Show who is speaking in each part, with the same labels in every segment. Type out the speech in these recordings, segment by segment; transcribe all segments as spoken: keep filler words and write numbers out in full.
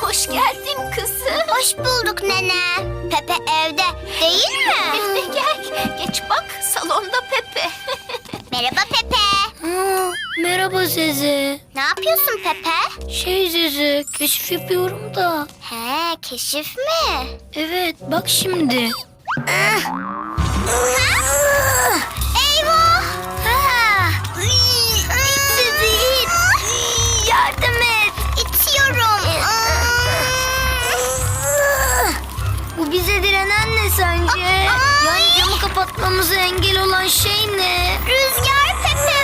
Speaker 1: Hoş geldin kızım.
Speaker 2: Hoş bulduk nene. Pepe evde değil mi?
Speaker 1: Evde gel. Geç bak, salonda Pepe.
Speaker 2: Merhaba Pepe.
Speaker 3: Aa, merhaba Zeze.
Speaker 2: Ne yapıyorsun Pepe?
Speaker 3: Şey Zeze, keşif yapıyorum da.
Speaker 2: He, keşif mi?
Speaker 3: Evet, bak şimdi.
Speaker 2: Eyvah! Ha! İt sizi it! Yardım et! İtiyorum.
Speaker 3: Bu bize direnen ne sence? Yani camı kapatmamıza engel olan şey ne?
Speaker 2: Rüzgar Pepe.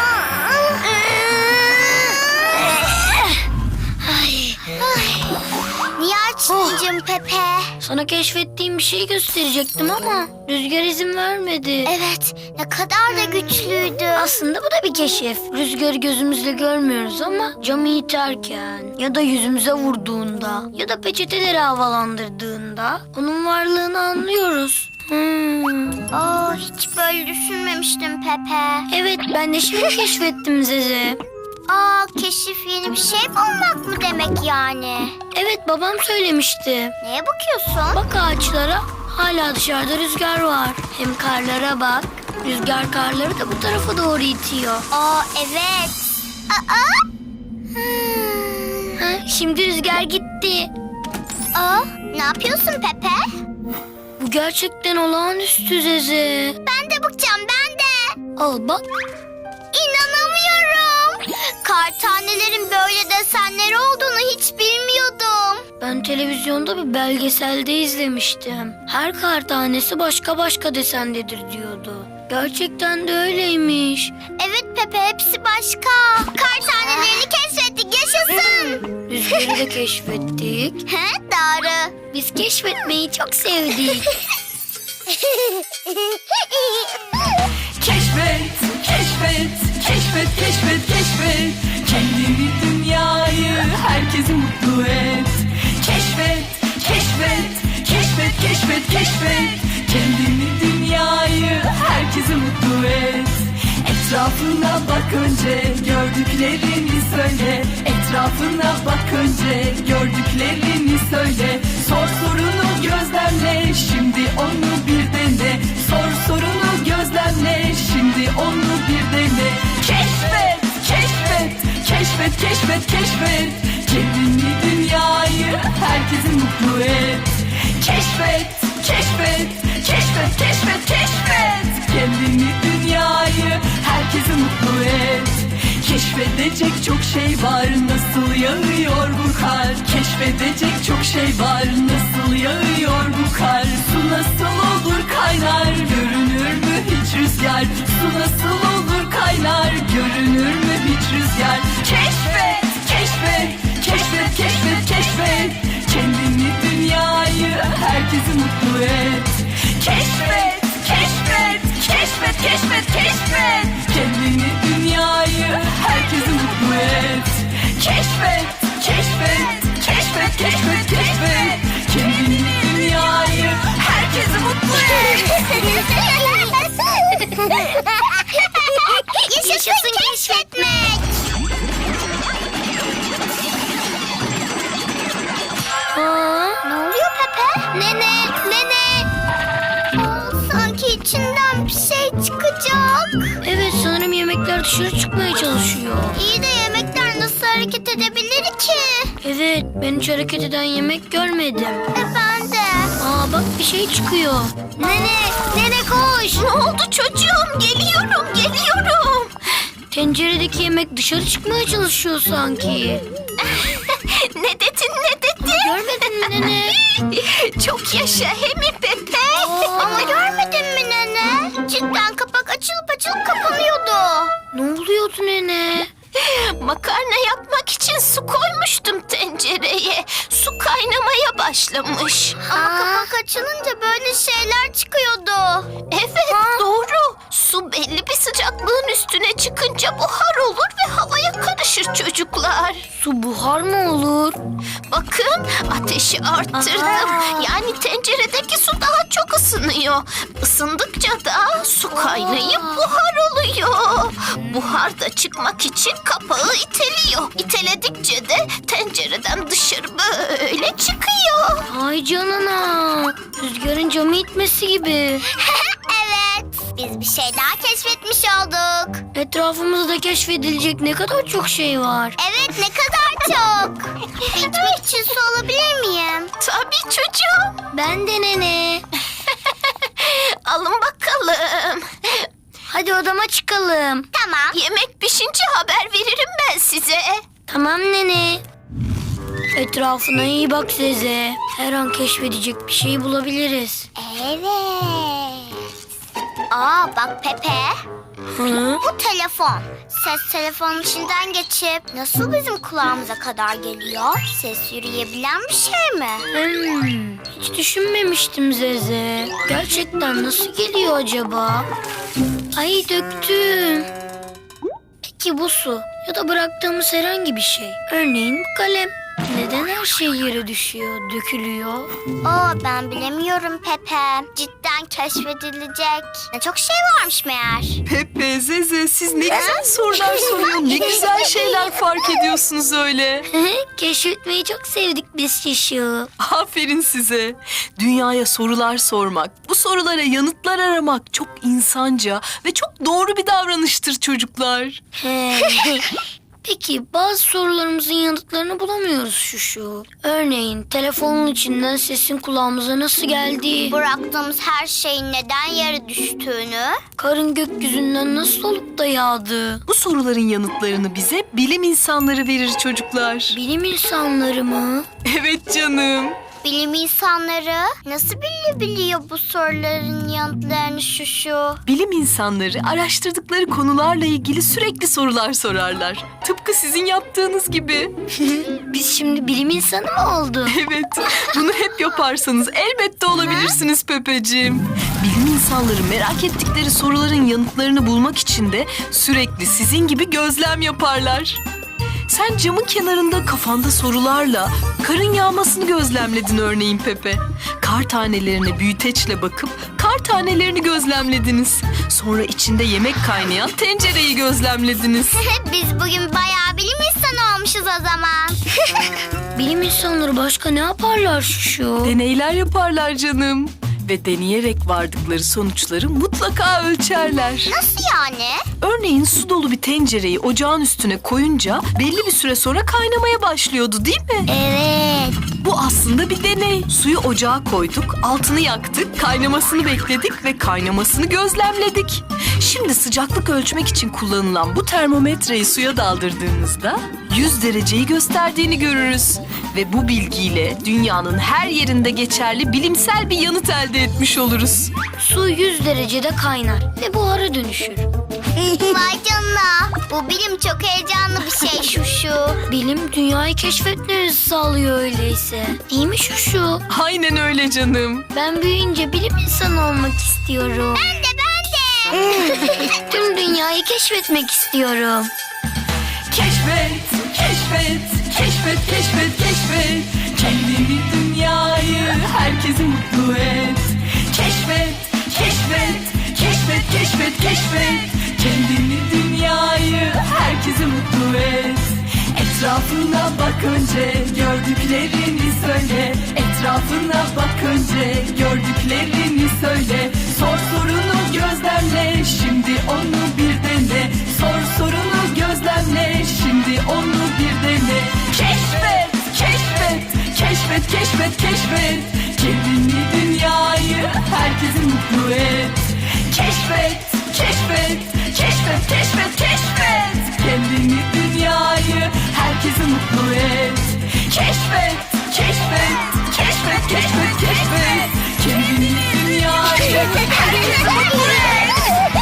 Speaker 3: Ay,
Speaker 2: Niye açmayacağım Pepe?
Speaker 3: sana keşfettiğim bir şey gösterecektim ama Rüzgar izin vermedi.
Speaker 2: Evet, ne kadar da güçlüydü.
Speaker 3: Aslında bu da bir keşif. Rüzgarı gözümüzle görmüyoruz ama camı iterken ya da yüzümüze vurduğunda ya da peçeteleri havalandırdığında onun varlığını anlıyoruz. Hmm.
Speaker 2: Aa, hiç böyle düşünmemiştim Pepe.
Speaker 3: Evet, ben de şimdi keşfettim Zeze.
Speaker 2: Aa, keşif yeni bir şey bulmak mı demek yani?
Speaker 3: Evet, babam söylemişti.
Speaker 2: Neye bakıyorsun?
Speaker 3: Bak ağaçlara, hala dışarıda rüzgar var. Hem karlara bak. Rüzgar karları da bu tarafa doğru itiyor.
Speaker 2: Aa, evet. Aa. Hmm.
Speaker 3: Ha, şimdi rüzgar gitti.
Speaker 2: Aa, ne yapıyorsun Pepe?
Speaker 3: Bu gerçekten olağanüstü Zeze.
Speaker 2: Ben de bakacağım, ben de.
Speaker 3: Al bak.
Speaker 2: İnanamıyorum. Kar tanelerin böyle desenleri olduğunu hiç bilmiyordum.
Speaker 3: Ben televizyonda bir belgeselde izlemiştim. Her kar tanesi başka başka desendedir diyordu. Gerçekten de öyleymiş.
Speaker 2: Evet Pepe, hepsi başka. Kar tanelerini keşfettik, yaşasın.
Speaker 3: Rüzgarı da keşfettik.
Speaker 2: He, doğru.
Speaker 3: Biz keşfetmeyi çok sevdik.
Speaker 4: Keşfet, keşfet, keşfet, keşfet, keşfet. Kendini, dünyayı, herkesi mutlu et. Keşfet, keşfet, keşfet, keşfet, keşfet. Kendini, dünyayı, herkesi mutlu et. Etrafına bak önce, gördüklerini söyle. Etrafına bak önce, gördüklerini söyle. Sor sorunu gözlemle, şimdi onu bir dene. Sor sorunu gözlemle, şimdi onu bir dene. Keşfet, keşfet, keşfet, keşfet, keşfet. Kendini, dünyayı, herkesi mutlu et. Keşfet, keşfet, keşfet, keşfet, keşfet. Kendini, dünyayı, herkesi mutlu et. Keşfedecek çok şey var, nasıl yağıyor bu kar. Keşfedecek çok şey var, nasıl yağıyor bu kar. Su nasıl olur kaynar, görünür mü hiç rüzgar. Su nasıl olur kaynar, görünür mü hiç rüzgar. Keşfet, keşfet, keşfet, keşfet, keşfet. Kendini, dünyayı, herkesi mutlu et. Keşfet, keşfet, keşfet, keşfet, keşfet. Kendini, dünyayı, herkesi mutlu et. Keşfet, keşfet, keşfet, keşfet, keşfet. Kendini, dünyayı, herkesi mutlu et.
Speaker 2: Yaşasın keşfetmek.
Speaker 3: Aa,
Speaker 2: Ne oluyor Pepe? Nene, nene. Aa, sanki içinden bir şey çıkacak.
Speaker 3: evet, sanırım yemekler dışarı çıkmaya çalışıyor.
Speaker 2: İyi de yemekler nasıl hareket edebilir ki?
Speaker 3: Evet, ben hiç hareket eden yemek görmedim.
Speaker 2: E ben de.
Speaker 3: Aa bak, bir şey çıkıyor.
Speaker 2: Nene, nene koş.
Speaker 1: Ne oldu çocuğum? Geliyorum, geliyorum.
Speaker 3: Tenceredeki yemek dışarı çıkmaya çalışıyor sanki.
Speaker 1: Ne dedin, ne dedin?
Speaker 3: Görmedin mi nene?
Speaker 1: Çok yaşa, he mi Pepe?
Speaker 2: Ama görmedin mi nene? Cidden kapak açılıp açılıp kapanıyordu.
Speaker 3: Ne oluyordu nene?
Speaker 1: Makarna yapmak için su koymuştum tencereye. Su kaynamaya başlamış.
Speaker 2: Ama kapak açılınca böyle şeyler çıkıyordu.
Speaker 1: Evet, doğru. Su belli bir sıcaklığın üstüne çıkınca buhar olur ve havaya karışır çocuklar.
Speaker 3: Su buhar mı olur?
Speaker 1: Bakın, ateşi arttırdım.
Speaker 3: Aha.
Speaker 1: Yani tenceredeki su daha çok ısınıyor. Isındıkça da su kaynayıp buhar oluyor. buhar da çıkmak için kapağı iteliyor. İteledikçe de tencereden dışarı böyle çıkıyor.
Speaker 3: Ay canına. Rüzgarın camı itmesi gibi.
Speaker 2: Evet, biz bir şey daha keşfetmiş olduk.
Speaker 3: Etrafımızda keşfedilecek ne kadar çok şey var.
Speaker 2: Evet, ne kadar çok. İçmek için su alabilir miyim?
Speaker 1: Tabii çocuğum.
Speaker 3: Ben de nene.
Speaker 1: Alın bakalım.
Speaker 3: Hadi odama çıkalım.
Speaker 2: Tamam.
Speaker 1: Yemek pişince haber veririm ben size.
Speaker 3: Tamam nene. Etrafına iyi bak Zeze. Her an keşfedecek bir şey bulabiliriz.
Speaker 2: Evet. Aa, bak Pepe.
Speaker 3: Hı?
Speaker 2: Bu telefon. Ses telefonun içinden geçip nasıl bizim kulağımıza kadar geliyor? Ses yürüyebilen bir şey mi?
Speaker 3: Hmm, hiç düşünmemiştim Zeze. Gerçekten nasıl geliyor acaba? Ay döktüm. Peki bu su ya da bıraktığımız herhangi bir şey. Örneğin bu kalem. Neden her şey yere düşüyor, dökülüyor?
Speaker 2: Oo, ben bilemiyorum Pepe. Cidden keşfedilecek ne çok şey varmış meğer.
Speaker 4: Pepe, Zeze siz ne güzel sorular soruyor. Ne güzel şeyler fark ediyorsunuz öyle.
Speaker 3: Keşfetmeyi çok sevdik biz Şişu.
Speaker 4: Aferin size. Dünyaya sorular sormak, bu sorulara yanıtlar aramak çok insanca ve çok doğru bir davranıştır çocuklar.
Speaker 3: He. Peki bazı sorularımızın yanıtlarını bulamıyoruz Şuşu. Örneğin telefonun içinden sesin kulağımıza nasıl geldiği,
Speaker 2: Bıraktığımız her şeyin neden yere düştüğünü.
Speaker 3: karın gökyüzünden nasıl olup da yağdığı,
Speaker 4: Bu soruların yanıtlarını bize bilim insanları verir çocuklar.
Speaker 3: bilim insanları mı?
Speaker 4: Evet canım.
Speaker 2: Bilim insanları nasıl bilebiliyor bu soruların yanıtlarını şu şu?
Speaker 4: Bilim insanları araştırdıkları konularla ilgili sürekli sorular sorarlar. Tıpkı sizin yaptığınız gibi.
Speaker 3: Biz şimdi bilim insanı mı olduk?
Speaker 4: Evet, bunu hep yaparsanız elbette olabilirsiniz Pepeciğim. Bilim insanları merak ettikleri soruların yanıtlarını bulmak için de sürekli sizin gibi gözlem yaparlar. Sen camın kenarında kafanda sorularla karın yağmasını gözlemledin örneğin Pepe. Kar tanelerine büyüteçle bakıp kar tanelerini gözlemlediniz. Sonra içinde yemek kaynayan tencereyi gözlemlediniz.
Speaker 2: Biz bugün bayağı bilim insanı olmuşuz o zaman.
Speaker 3: Bilim insanları başka ne yaparlar Şuşu?
Speaker 4: Deneyler yaparlar canım. Ve deneyerek vardıkları sonuçları mutlaka ölçerler.
Speaker 2: Nasıl yani?
Speaker 4: Örneğin su dolu bir tencereyi ocağın üstüne koyunca belli bir süre sonra kaynamaya başlıyordu değil mi?
Speaker 2: Evet.
Speaker 4: Bu aslında bir deney. Suyu ocağa koyduk, altını yaktık, kaynamasını bekledik ve kaynamasını gözlemledik. Şimdi sıcaklık ölçmek için kullanılan bu termometreyi suya daldırdığımızda yüz dereceyi gösterdiğini görürüz. Ve bu bilgiyle dünyanın her yerinde geçerli bilimsel bir yanıt elde etmiş oluruz.
Speaker 3: Su yüz derecede kaynar ve buhara dönüşür.
Speaker 2: Vay canına. Bu bilim çok heyecanlı bir şey şu şu.
Speaker 3: Bilim dünyayı keşfetmemizi sağlıyor öyleyse. Değil mi Şuşu?
Speaker 4: Aynen öyle canım.
Speaker 3: Ben büyüyünce bilim insanı olmak istiyorum.
Speaker 2: Ben de ben de.
Speaker 3: Tüm dünyayı keşfetmek istiyorum.
Speaker 4: Keşfet, keşfet, keşfet, keşfet, keşfet. Kendini, dünyayı, herkesi mutlu et. Keşfet, keşfet, keşfet, keşfet, keşfet. Kendini, dünyayı, herkesi mutlu et. Etrafına bak önce, gördüklerini söyle. Etrafına bak önce, gördüklerini söyle. Sor sorunu gözlemle, şimdi onu bir dene. Sor sorunu gözlemle, şimdi onu bir dene. Keşfet, keşfet, keşfet, keşfet, keşfet. Kendini, dünyayı, herkesi mutlu et. Keşfet, keşfet, keşfet, keşfet, keşfet. Kendini, dünyayı, herkesi mutlu et. Keşfet, keşfet, keşfet, keşfet, keşfet. Kendini, dünyayı, herkesi mutlu et.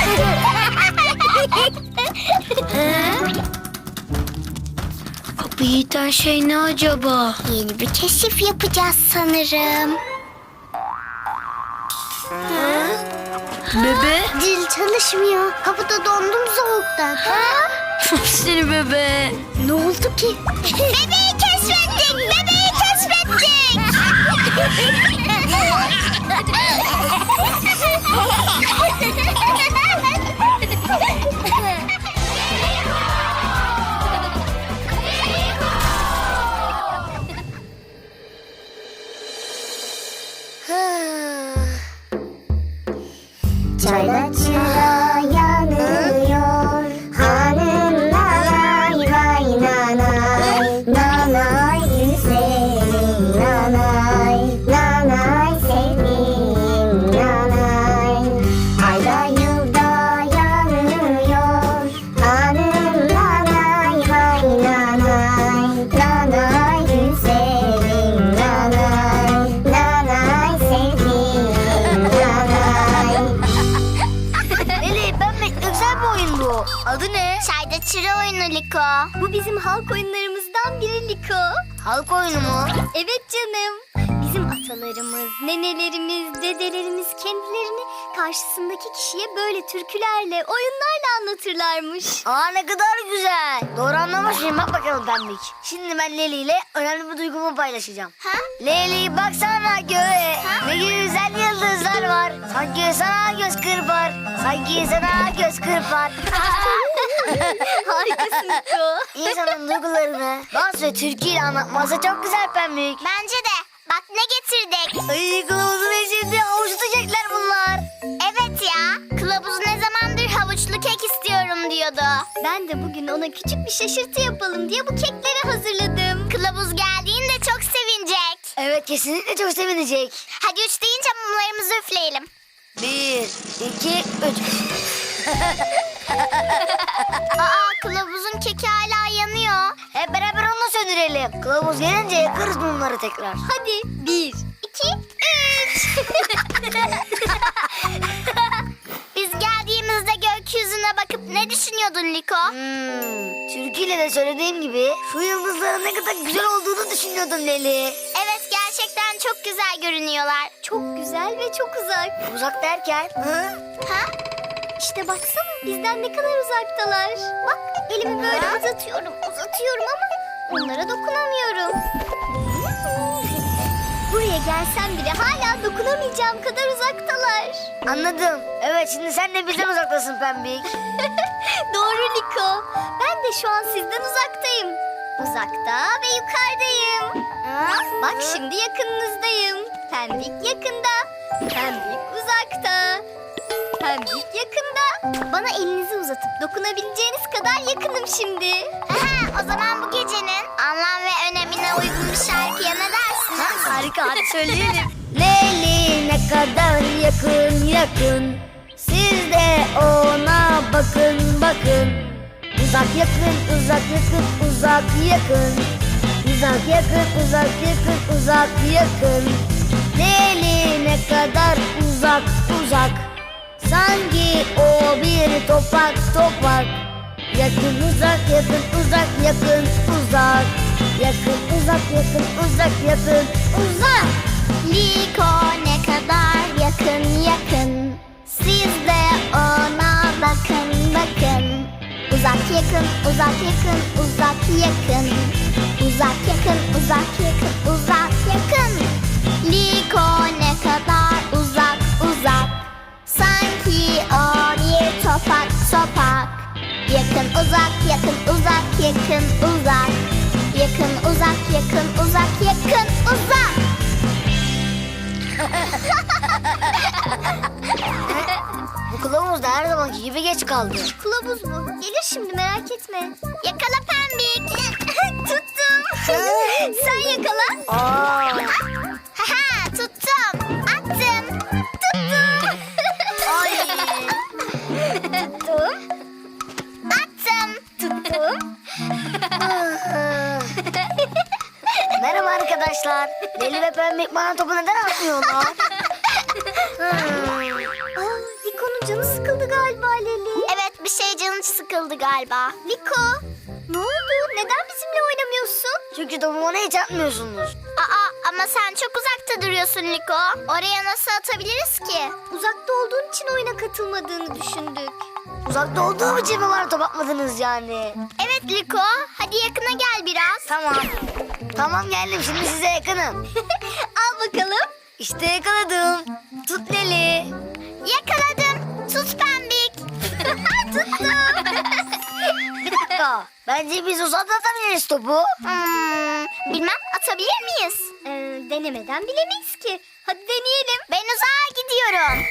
Speaker 3: Kapıyı iten şey ne acaba?
Speaker 2: Yeni bir keşif yapacağız sanırım.
Speaker 3: Bebe?
Speaker 2: Dil çalışmıyor. Kapıda dondum soğuktan.
Speaker 3: Seni bebe.
Speaker 2: Ne oldu ki? Bebeği keşfettik! Bebeği keşfettik! bu. Adı ne? Çayda çıra oyunu Liko. Bu bizim halk oyunlarımızdan biri Liko. Halk oyunu mu? Evet canım. Bizim atalarımız, nenelerimiz, dedelerimiz kendilerini karşısındaki kişiye böyle türkülerle, oyunlarla anlatırlarmış. Aa ne kadar güzel. Doğru anlamışım. Bak bakalım Pembik. Şimdi ben Leli ile önemli bir duygumu paylaşacağım. Ha? Leli baksana göğe. Ne güzel yıldızlar var. Sanki sana göz kırpar. Sanki sana göz kırpar. Harikasın Niko. İnsanın duygularını dans ve türküyle anlatması çok güzel Pembik. Bence de. Bak ne getirdik. Ay kılavuzun eşinde havuç tutacaklar bunlar. Evet ya. Kılavuz ne zamandır havuçlu kek istiyorum diyordu. Ben de bugün ona küçük bir şaşırtı yapalım diye bu kekleri hazırladım. Kılavuz geldiğinde çok sevinecek. Evet kesinlikle çok sevinecek. Hadi üç deyince mumlarımızı üfleyelim. Bir, iki, üç. Aa kılavuzun keki hala yanıyor. Hep beraber onu söndürelim. Kılavuz gelince yakarız mumları tekrar. Hadi bir, iki, üç. Biz geldiğimizde gökyüzüne bakıp ne düşünüyordun Liko? Hmm, türküyle de söylediğim gibi şu yıldızların ne kadar güzel olduğunu düşünüyordum Leli. Evet gerçekten çok güzel görünüyorlar. Çok güzel ve çok uzak. Uzak derken? Hı? Ha? İşte baksana bizden ne kadar uzaktalar. Bak elimi böyle uzatıyorum, uzatıyorum ama onlara dokunamıyorum. Buraya gelsem bile hala dokunamayacağım kadar uzaktalar. Anladım. Evet şimdi sen de bizden uzaktasın Pembik. Doğru Liko. Ben de şu an sizden uzaktayım. Uzakta ve yukarıdayım. Ha? Bak şimdi yakınınızdayım. Pembik yakında. Pembik uzakta. Pembik yakında. Bana elinizi uzatıp dokunabileceğiniz kadar yakınım şimdi. Aha, o zaman bu gecenin anlam ve önemine uygun bir şarkıya ne dersiniz? Ha, harika hadi söyleyelim. Leyli ne kadar yakın yakın. Siz de ona bakın bakın. Uzak yakın uzak yakın uzak yakın. Uzak yakın uzak yakın uzak yakın. Leyli ne kadar uzak uzak. Sanki o bir topak topak. Yakın uzak yakın uzak yakın uzak. Yakın uzak yakın uzak yakın uzak. Liko ne kadar yakın yakın. Siz de ona bakın bakın. Uzak yakın uzak yakın uzak yakın. Uzak yakın uzak yakın uzak yakın. Liko ne kadar uzak uzak. Sanki o bir topak topak. Yakın uzak yakın uzak yakın uzak. Yakın uzak yakın uzak yakın uzak. Bu kılavuz da her zamanki gibi geç kaldı. Kılavuz mu? Gelir şimdi merak etme. Yakala Pembik. Tuttum. Sen yakala. Aa. Haha tuttum. Attım. Tuttum. Ay. Tuttum. Attım. Tuttum. Merhaba arkadaşlar. Deli ve Pembik bana topu neden atmıyorlar? Aa, Liko'nun canı sıkıldı galiba Leli. Evet bir şey canı sıkıldı galiba. Liko ne oldu? Neden bizimle oynamıyorsun? Çünkü topu bana hiç atmıyorsunuz. Aa ama sen çok uzakta duruyorsun Liko. Oraya nasıl atabiliriz ki? Uzakta olduğun için oyuna katılmadığını düşündük. Uzakta olduğum için mi bana top atmadınız yani? Evet Liko. Hadi yakına gel biraz. Tamam. Tamam geldim şimdi size yakınım. Al bakalım. İşte yakaladım. Tut Leli. Yakaladım. Tut Pembik. Tuttum. Bir dakika. Bence biz uzakta atabiliriz topu. Hmm, bilmem atabilir miyiz? Ee, denemeden bilemeyiz ki. Hadi deneyelim. Ben uzağa gidiyorum.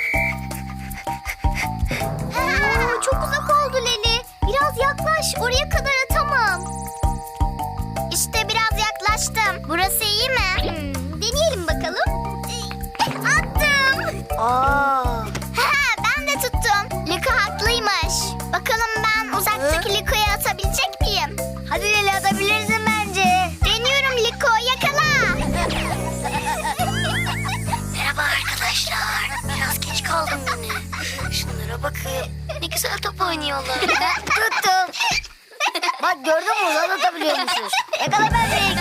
Speaker 2: Aa, çok uzak oldu Leli. Biraz yaklaş. Oraya kadar atamam. İşte biraz yaklaştım. Burası iyi mi? Hmm, deneyelim bakalım. Attım. Aa. Ha, ben de tuttum. Liko haklıymış. Bakalım ben uzaktaki Liko'ya atabilecek miyim? Hadi Leli atabilirsin bence. Deniyorum Liko yakala.
Speaker 3: Merhaba arkadaşlar. Biraz geç kaldım yine. Şunlara bakın. Ne güzel top
Speaker 2: oynayalım. Tuttum. Bak gördün mü, uzan atabiliyormuşuz. Yakala Pembik.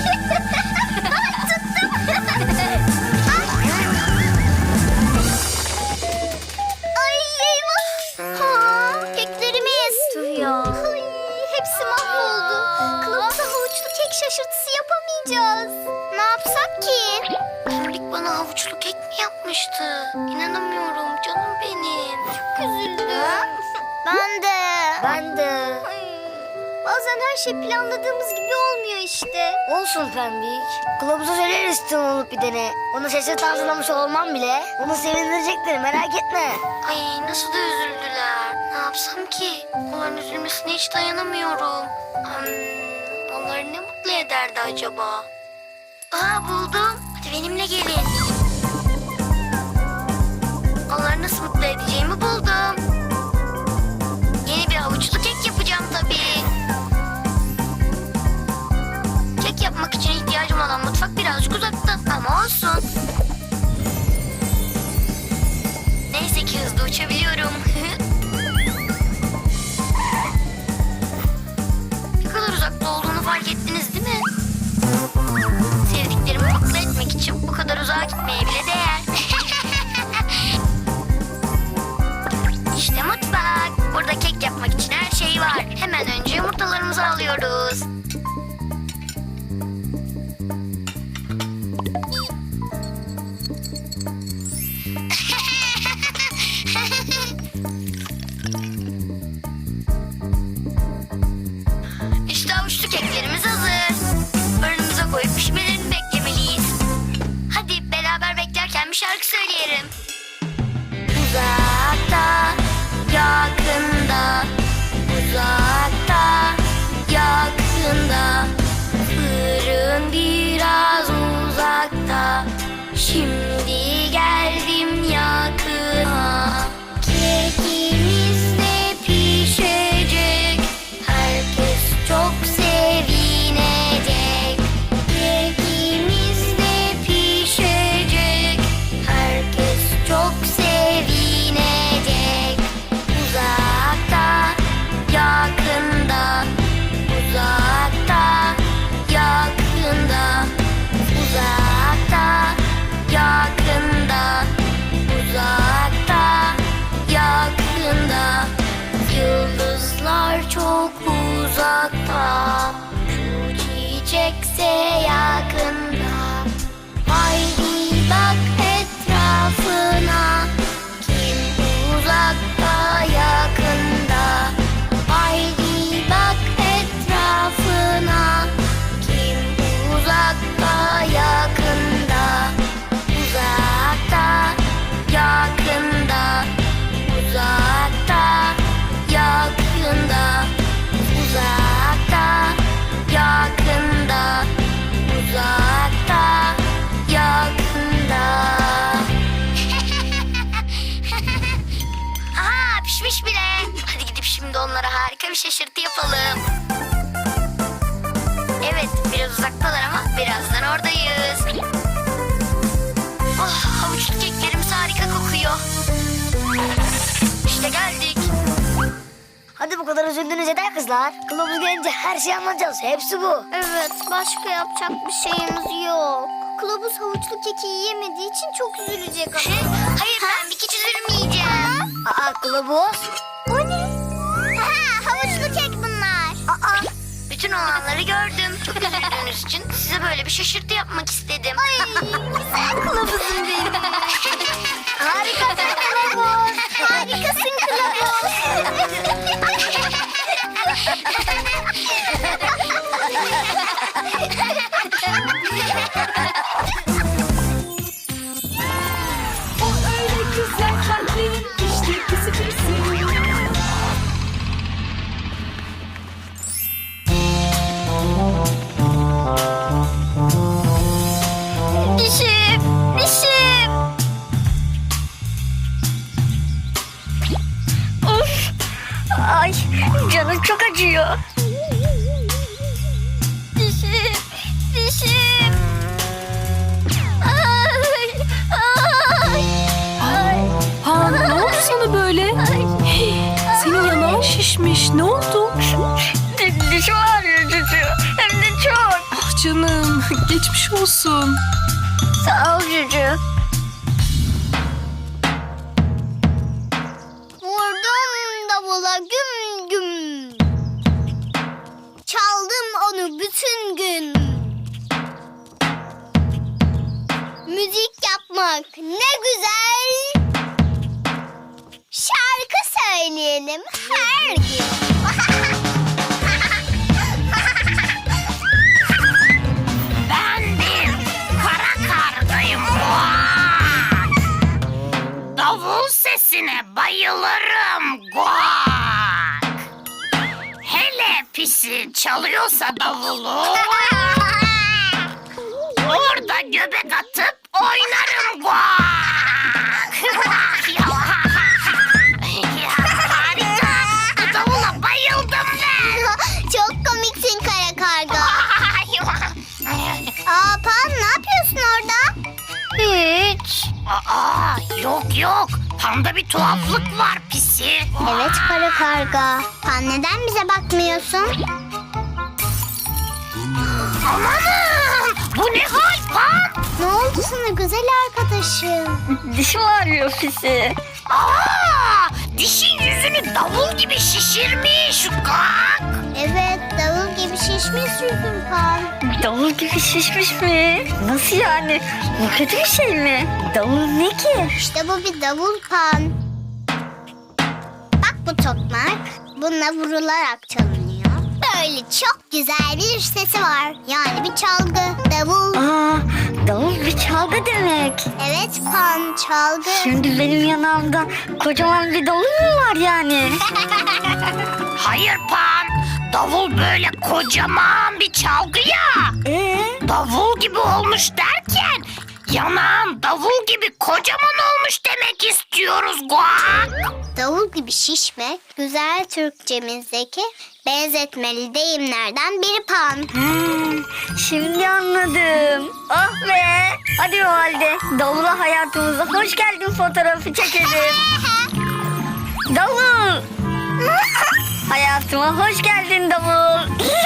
Speaker 2: Ay eyvah. Ha, keklerimiz. Tüh ya. Ay, hepsi mahvoldu. Kılavuza havuçlu kek şaşırtısı yapamayacağız. Ne yapsak ki?
Speaker 3: Pembik bana havuçlu kek mi yapmıştı? İnanamıyorum canım benim.
Speaker 2: Çok üzüldüm. Ben de. Ben de. Bazen her şey planladığımız gibi olmuyor işte. Olsun Pembik. Kılavuza söyleriz tüm olup bir dene. Onu şaşırt hazırlamış olmam bile onu sevindirecektir, merak etme.
Speaker 3: Ay nasıl da üzüldüler. Ne yapsam ki? Onların üzülmesine hiç dayanamıyorum. Hmm, onları ne mutlu ederdi acaba? Aa buldum. Hadi benimle gelin. Onları nasıl mutlu edeceğimi buldum. Yeni bir havuçlu kek yapacağım tabii. Kek yapmak için ihtiyacım olan mutfak birazcık uzakta ama olsun. Neyse ki hızlı uçabiliyorum. Ne kadar uzakta olduğunu fark ettiniz değil mi? Sevdiklerimi mutlu etmek için bu kadar uzağa gitmeye bile değer. İşte mutfak. Burada kek yapmak için her şey var. Hemen önce yumurtalarımızı alıyoruz. İşte havuçlu keklerimiz hazır. Fırınımıza koyup pişmelerini beklemeliyiz. Hadi beraber beklerken bir şarkı söyleyelim. Uzakta, yakında, uzakta, yakında. Fırın biraz uzakta. Şimdi geldim yakına. Kekimiz de pişecek. Herkes çok sevinecek. Kekimiz de pişecek. Herkes çok sevinecek. Uzakta, yakında, uzakta, yakında, uzakta, yakında, uzakta, yakında. Yıldızlar çok uzakta, şu çiçekse yakında. Haydi bak etrafına, kim uzakta yakında. Haydi bak etrafına, kim uzakta yakında. Uzakta, yakında, uzakta, yakında, uzakta, yakında, uzakta, yakında. Aha pişmiş bile. Hadi gidip şimdi onlara harika bir şaşırtı yapalım. Evet biraz uzaktalar ama birazdan oradayız. Oh havuçlu keklerimiz harika kokuyor. İşte geldik.
Speaker 2: Hadi bu kadar üzüldünüz yeter kızlar. Kılavuz gelince her şeyi anlatacağız. Hepsi bu. Evet, başka yapacak bir şeyimiz yok. Kılavuz havuçlu keki yiyemediği için çok üzülecek ama.
Speaker 3: Hayır ben bir hiç üzülmeyeceğim.
Speaker 2: Aa kılavuz. O ne? Ha, havuçlu kek bunlar. Aa.
Speaker 3: Bütün olanları gördüm. Çok üzüldüğünüz için size böyle bir şaşırtı yapmak istedim.
Speaker 2: Ay, güzel kılavuzum benim. Harikasın kılavuz. Harikasın kılavuz.
Speaker 4: O öyle güzel kalplerin işte pisi pisi.
Speaker 2: Dişim, dişim. Of. Ay, canım çok acıyor. Dişim, dişim. Ay, ay, ay.
Speaker 4: Ha ne oldu sana böyle? Hey, senin yanağın şişti. şişmiş. Ne oldu?
Speaker 3: Dişim ağrıyor Cucu. Hem de çok.
Speaker 4: Ah canım, geçmiş olsun.
Speaker 3: Sağ ol Cucu.
Speaker 2: Vurdum davula güm güm. Çaldım onu bütün gün. Müzik yapmak ne güzel. Şarkı söyleyelim her gün.
Speaker 1: Ben bir kara kargayım. Davul sesine bayılırım. Guak. Hele pisi çalıyorsa davulu. Orada göbek atıp oynarım. Guak. Harika. Bu davula bayıldım ben.
Speaker 2: Çok komiksin kara karga. Aa Pan, ne yapıyorsun orada?
Speaker 3: Hiç.
Speaker 1: Aa, yok yok. Panda bir tuhaflık var pisi.
Speaker 2: Evet kara karga. Pan, neden bize bakmıyorsun?
Speaker 1: Amanın! Bu ne hal Pan?
Speaker 2: Ne oldu sana güzel arkadaşım?
Speaker 3: Dişim ağrıyor pisi.
Speaker 1: Aa, dişin yüzünü davul gibi şişirmiş. Gak.
Speaker 2: Evet, davul gibi şişmiş yüzün Pan.
Speaker 3: Davul gibi şişmiş mi? Nasıl yani? Bu kötü bir şey mi? Davul ne ki?
Speaker 2: İşte bu bir davul Pan. Bak bu tokmak. Bununla vurularak çalınıyor. Böyle çok güzel bir sesi var. Yani bir çalgı. Davul.
Speaker 3: Aa, davul bir çalgı demek.
Speaker 2: Evet Pan, çalgı.
Speaker 3: Şimdi benim yanağımda kocaman bir davul mu var yani?
Speaker 1: Hayır Pan. Davul böyle kocaman bir çalgı ya.
Speaker 3: Ee?
Speaker 1: Davul gibi olmuş derken yanağın davul gibi kocaman olmuş demek istiyoruz. Guak.
Speaker 2: Davul gibi şişmek güzel Türkçemizdeki benzetmeli deyimlerden biri Pan.
Speaker 3: Hmm, şimdi anladım. Ah be. Hadi o halde davula hayatımıza hoş geldin fotoğrafı çekelim. Davul. Hayatıma hoş geldin davul.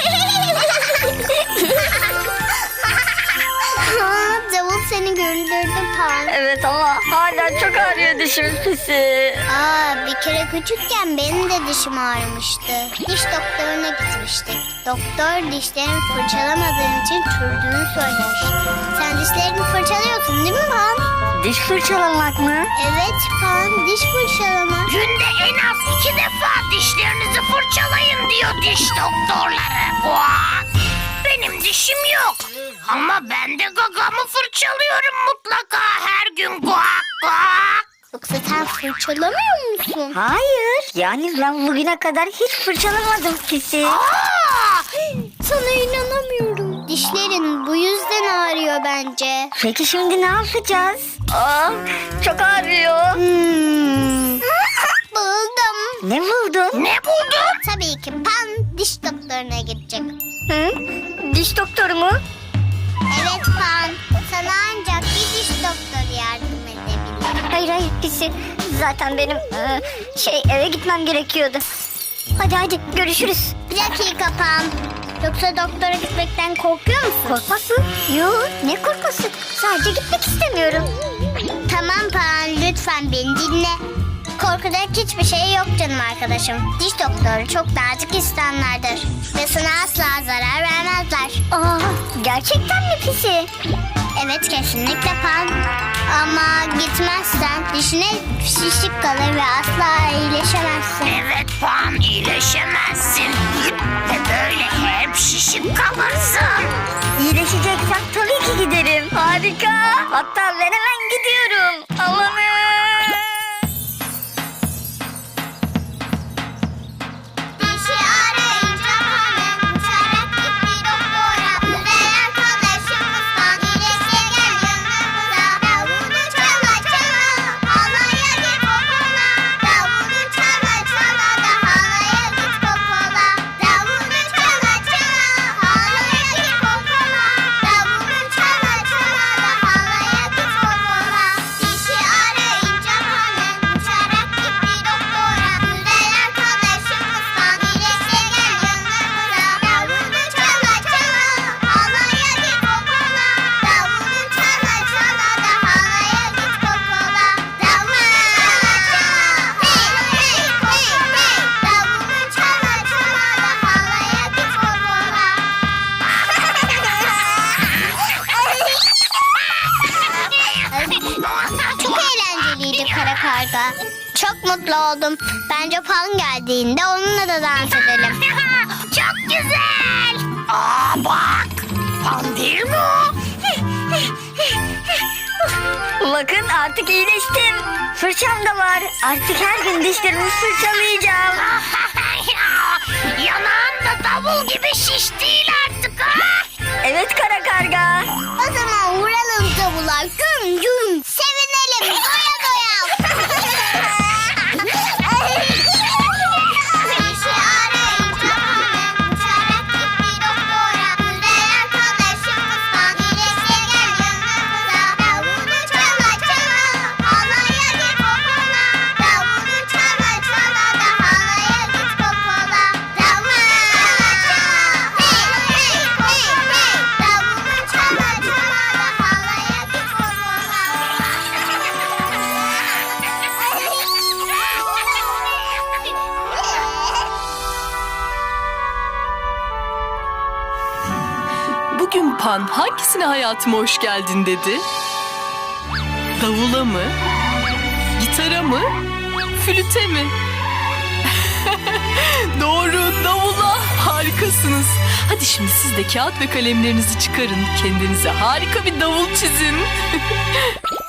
Speaker 2: Aa, davul seni güldürdü Pan.
Speaker 3: Evet ama hala çok ağrıyor dişim pisi.
Speaker 2: Aa, bir kere küçükken benim de dişim ağrımıştı. Diş doktoruna gitmiştik. Doktor dişlerimi fırçalamadığım için çürüdüğünü söylemişti. Sen dişlerini fırçalıyorsun değil mi Pan?
Speaker 3: Diş fırçalamak mı?
Speaker 2: Evet Pan, diş fırçalamak.
Speaker 1: Günde en az iki defa dişlerinizi fırçalayın diyor diş doktorları. Guak. Benim dişim yok. Ama ben de gagamı fırçalıyorum mutlaka her gün. Guak guak.
Speaker 2: Yoksa sen fırçalamıyor musun?
Speaker 3: Hayır. Yani ben bugüne kadar hiç fırçalamadım pisi.
Speaker 1: Aa,
Speaker 2: Sana inanamıyorum. Dişlerin bu yüzden ağrıyor bence.
Speaker 3: Peki şimdi ne yapacağız? Aa, çok ağrıyor.
Speaker 2: Hmm. Buldum.
Speaker 3: Ne buldun?
Speaker 1: ne buldun?
Speaker 2: Tabii ki Pan diş doktoruna gidecek.
Speaker 3: Hı? Diş doktoru mu?
Speaker 2: Evet Pan, sana ancak bir diş doktoru yardım edebilir.
Speaker 3: Hayır hayır pisi. Zaten benim e, şey eve gitmem gerekiyordu. Hadi hadi görüşürüz.
Speaker 2: Bir dakika Pan. Yoksa doktora gitmekten korkuyor musun?
Speaker 3: Korkmak mı? Yok ne korkması. Sadece gitmek istemiyorum.
Speaker 2: Tamam Pan, lütfen beni dinle. Korkacak hiçbir şey yok canım arkadaşım. Diş doktoru çok nazik insanlardır. Ve sana asla zarar vermezler.
Speaker 3: Aa, gerçekten mi pisi?
Speaker 2: Evet kesinlikle Pan. Ama gitmezsen dişine şişlik kalır ve asla iyileşemezsin.
Speaker 1: Evet Pan, iyileşemezsin. Ve böyle hep şişik kalırsın.
Speaker 3: İyileşeceksem tabii ki giderim. Harika. Hatta ben hemen gidiyorum. Amanın.
Speaker 2: Dişi arayınca Pan'ın uçarak gitti doktora. Güzel arkadaşımız Pan iyileşe gel yanımıza. Davulu çala çala halaya git popola. Davulu çala çala da halaya git popola. Davulu çala çala halaya git popola. Davulu çala çala da halaya git popola. çok mutlu oldum. Bence Pan geldiğinde onunla da dans edelim.
Speaker 1: Çok güzel. Aa bak. Pan değil mi o?
Speaker 3: Bakın artık iyileştim. Fırçam da var. Artık her gün dişlerimi fırçalayacağım.
Speaker 1: Yanağın da davul gibi şiş değil artık ha.
Speaker 3: Evet kara karga.
Speaker 2: O zaman vuralım davula. Güm güm. Sevinelim. Doya doya. İşi arayacağım. Uçarak gitti doktora. Güzel arkadaşımızdan iyileşe gel yanımıza. Davulu çala çala. Halaya git popola. Davulu çala çala da halaya git popola. Davulu çala çala. Hey hey hey hey. Davulu çala çala da halaya git popola.
Speaker 4: Bugün Pan hangisine hayatıma hoş geldin dedi? Davula mı? Gitara mı? Flüte mi? Doğru, davula. Harikasınız. Hadi şimdi siz de kağıt ve kalemlerinizi çıkarın. Kendinize harika bir davul çizin.